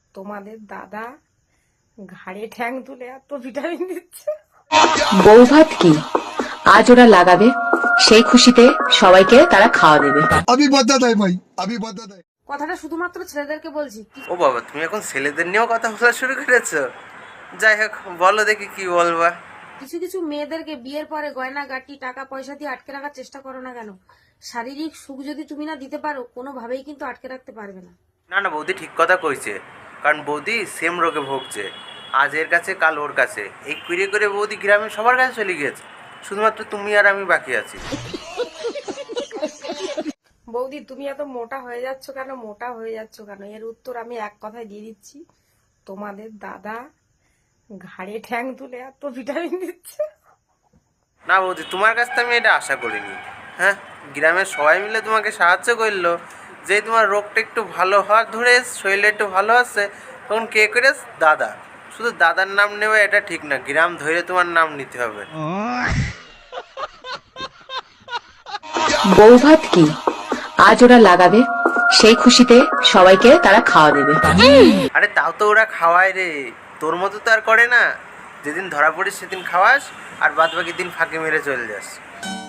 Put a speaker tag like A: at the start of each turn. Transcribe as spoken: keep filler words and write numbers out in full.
A: তোমাদের দাদা ঘাড়ে ঠ্যাং তুলে এত ভিটামিন দিচ্ছে।
B: বউ ভাত কি আজ ওরা লাগাবে, সেই খুশিতে সবাইকে তারা খাওয়া দেবে।
C: अभी बदत है भाई, अभी बदत है।
A: কথাটা শুধুমাত্র ছেলেদেরকে বলছি।
D: ও বাবা, তুমি এখন ছেলেদের নিয়েও কথা বলা শুরু করেছো? যাই হোক, বলো দেখি কি বলবা।
A: কিছু কিছু মেয়েদেরকে বিয়ের পরে গয়না গাটি টাকা পয়সা দিয়ে আটকে রাখার চেষ্টা করো না কেন? শারীরিক সুখ যদি তুমি না দিতে পারো, কোনোভাবেই কিন্তু আটকে রাখতে পারবে না।
D: না না, বৌদি ঠিক কথা কইছে। কারণ বৌদি সেম রোগে ভুগছে, আজ এর কাছে কাল ওর কাছে, এই করে করে বৌদি গ্রামে সবার কাছে চলে গিয়েছে, শুধুমাত্র তুমি আর আমি বাকি আছি।
A: বৌদি, তুমি এত মোটা হয়ে যাচ্ছ কেন? মোটা হয়ে যাচ্ছ কেন? এর উত্তর আমি এক কথায় দিয়ে দিচ্ছি, তোমাদের দাদা ঘাড়ে ঠ্যাং তুলে এত ভিটামিন দিচ্ছে।
D: না বৌদি, তোমার কাছ থেকে আমি এটা আশা করিনি। হ্যাঁ, গ্রামের সবাই মিলে তোমাকে সাহায্য করলো, যে তোমার রোগটা একটু ভালো হওয়ার ধরে, শরীরে একটু ভালো আছে, তখন কে করে? দাদা। শুধু দাদার নাম নেবে এটা ঠিক না, গ্রাম ধরে তোমার নাম নিতে হবে।
B: বউ ভাত কি আজ ওরা লাগাবে, সেই খুশিতে সবাইকে তারা খাওয়া দেবে।
D: আরে তাও তো ওরা খাওয়ায় রে, তোর মতো তো আর করে না। যেদিন ধরা পড়িস সেদিন খাওয়াস, আর বাদ বাকি দিন ফাঁকি মেরে চলে যাস।